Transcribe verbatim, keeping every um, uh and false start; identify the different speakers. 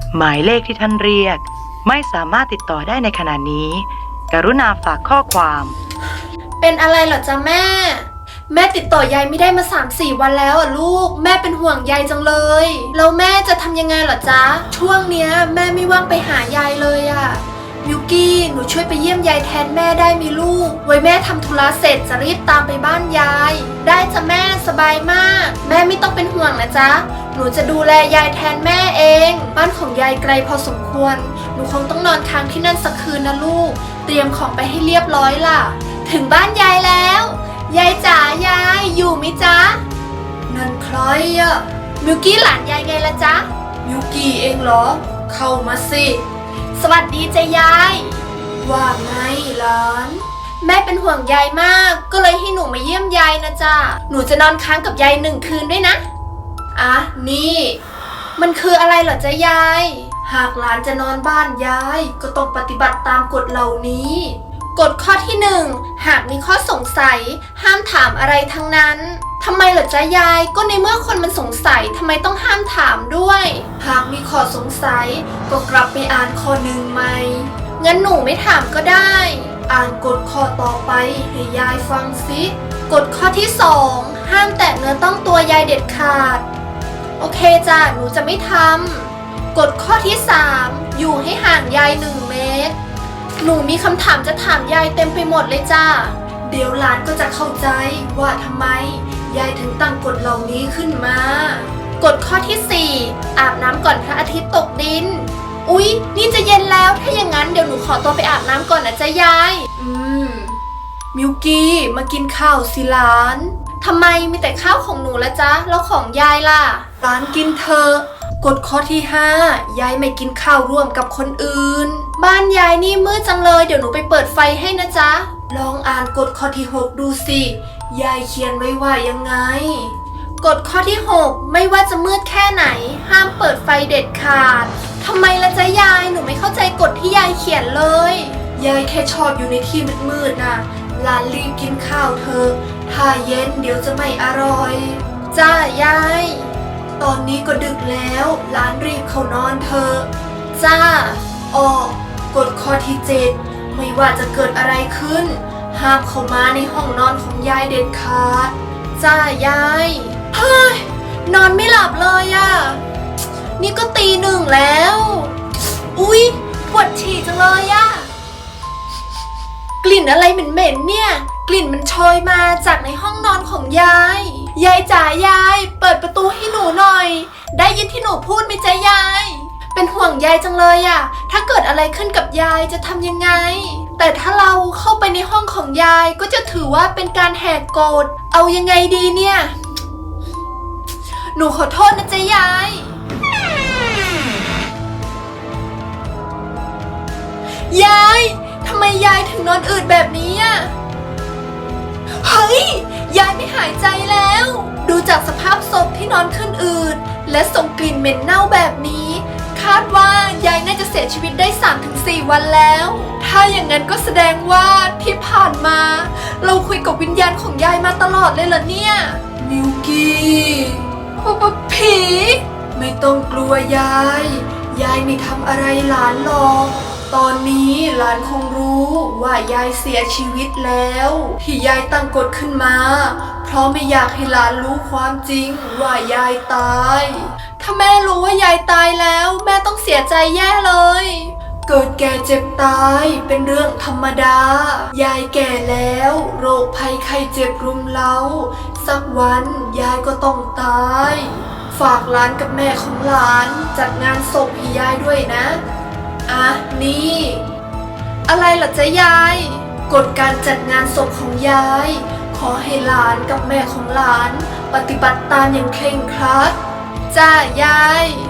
Speaker 1: หมายเลขที่ท่านเรียกไม่สามารถติดต่อได้ในขณะนี้ กรุณาฝากข้อความ
Speaker 2: เป็นอะไรเหรอจ๊ะแม่แม่ติดต่อยายไม่ได้มา สามสี่ วันแล้วอ่ะลูกแม่เป็นห่วงยายจังเลยแล้วแม่จะทำยังไงเหรอจ๊ะช่วงเนี้ยแม่ไม่ว่างไปหายายเลยอ่ะมิวกี้หนูช่วยไปเยี่ยมยายแทนแม่ได้มีลูกไว้แม่ทำธุระเสร็จจะรีบตามไปบ้านยายได้จ้ะแม่สบายมากแม่ไม่ต้องเป็นห่วงนะจ๊ะหนูจะดูแลยายแทนแม่เองบ้านของยายไกลพอสมควรหนูคงต้องนอนค้างที่นั่นสักคืนนะลูกเตรียมของไปให้เรียบร้อยล่ะถึงบ้านยายแล้วยายจ๋ายายอยู่มิจ๊ะนั่นใครอะมิวกี้หลานยายไงล่ะจ๊ะมิวกี้เองเหรอเข้ามาสิสวัสดีจ้ะยายว่าไงหลานแม่เป็นห่วงยายมากก็เลยให้หนูมาเยี่ยมยายนะจ๊ะหนูจะนอนค้างกับยายหนึ่งคืนด้วยนะอ่ะนี่มันคืออะไรเหรอจ๊ะยายหากหลานจะนอนบ้านยายก็ต้องปฏิบัติตามกฎเหล่านี้กฎข้อที่หนึ่งหากมีข้อสงสัยห้ามถามอะไรทั้งนั้นทำไมเหรอจ๊ะยายก็ในเมื่อคนมันสงสัยทำไมต้องห้ามถามด้วยหากมีข้อสงสัยก็กลับไปอ่านข้อหนึ่งใหม่งั้นหนูไม่ถามก็ได้อ่านกฎข้อต่อไปให้ยายฟังสิกฎข้อที่สองห้ามแตะเนื้อต้องตัวยายเด็ดขาดโอเคจ้ะหนูจะไม่ทำกฎข้อที่สามอยู่ให้ห่างยายหนึ่งเมตรหนูมีคำถามจะถามยายเต็มไปหมดเลยจ้าเดี๋ยวหลานก็จะเข้าใจว่าทำไมยายถึงตั้งกฎเหล่านี้ขึ้นมากฎข้อที่สี่อาบน้ำก่อนพระอาทิตย์ตกดินอุ๊ยนี่จะเย็นแล้วถ้าอย่างนั้นเดี๋ยวหนูขอตัวไปอาบน้ำก่อนนะจ๊ะยายอืมมิวกี้มากินข้าวสิหลานทำไมมีแต่ข้าวของหนูละจ๊ะแล้วของยายล่ะหลานกินเถอะกฎข้อที่ห้ายายไม่กินข้าวร่วมกับคนอื่นบ้านยายนี่มืดจังเลยเดี๋ยวหนูไปเปิดไฟให้นะจ๊ะลองอ่านกฎข้อที่หกดูสิยายเขียนไว้ว่ายังไงกฎข้อที่หกไม่ว่าจะมืดแค่ไหนห้ามเปิดไฟเด็ดขาดทำไมละจ๊ะยายหนูไม่เข้าใจกฎที่ยายเขียนเลยยายแค่ชอบอยู่ในที่มืดๆน่ะหลานรีบกินข้าวเถอะถ้าเย็นเดี๋ยวจะไม่อร่อยจ้ายายตอนนี้ก็ดึกแล้วหลานรีบเข้านอนเถอะจ้าออกกฎข้อที่เจ็ดไม่ว่าจะเกิดอะไรขึ้นห้ามเข้ามาในห้องนอนของยายเด็ดขาดจ้ายายเฮ้ยนอนไม่หลับเลยอะนี่ก็ตีหนึ่งแล้วอุ๊ยปวดฉี่จังเลยอะกลิ่นอะไรเหม็นๆเนี่ยกลิ่นมันโชยมาจากในห้องนอนของยายยายจ๋ายายเปิดประตูให้หนูหน่อยได้ยินที่หนูพูดไหมจ๊ะยายเป็นห่วงยายจังเลยอะถ้าเกิดอะไรขึ้นกับยายจะทำยังไงแต่ถ้าเราเข้าไปในห้องของยายก็จะถือว่าเป็นการแหกกฎเอายังไงดีเนี่ยหนูขอโทษนะจ๊ะยายยายทำไมยายถึงนอนอืดแบบนี้อะเฮ้ยยายไม่หายใจแล้วดูจากสภาพศพที่นอนขึ้นอืดและส่งกลิ่นเหม็นเน่าแบบนี้คาดว่ายายน่าจะเสียชีวิตได้ สามถึงสี่ วันแล้วถ้าอย่างนั้นก็แสดงว่าที่ผ่านมาเราคุยกับวิญญาณของยายมาตลอดเลยเหรอเนี่ยมิวกี้ผีไม่ต้องกลัวยายยายไม่ทำอะไรหลานหรอกตอนนี้หลานคงรู้ว่ายายเสียชีวิตแล้วที่ยายตั้งกฎขึ้นมาเพราะไม่อยากให้หลานรู้ความจริงว่ายายตายถ้าแม่รู้ว่ายายตายแล้วแม่ต้องเสียใจแย่เลยเกิดแก่เจ็บตายเป็นเรื่องธรรมดายายแก่แล้วโรคภัยไข้เจ็บรุมเร้าสักวันยายก็ต้องตายฝากหลานกับแม่ของหลานจัดงานศพให้ยายด้วยนะอ่ะนี่อะไรล่ะจ๊ะยายกฎการจัดงานศพของยายขอให้หลานกับแม่ของหลานปฏิบัติตามอย่างเคร่งครัดจ้ายาย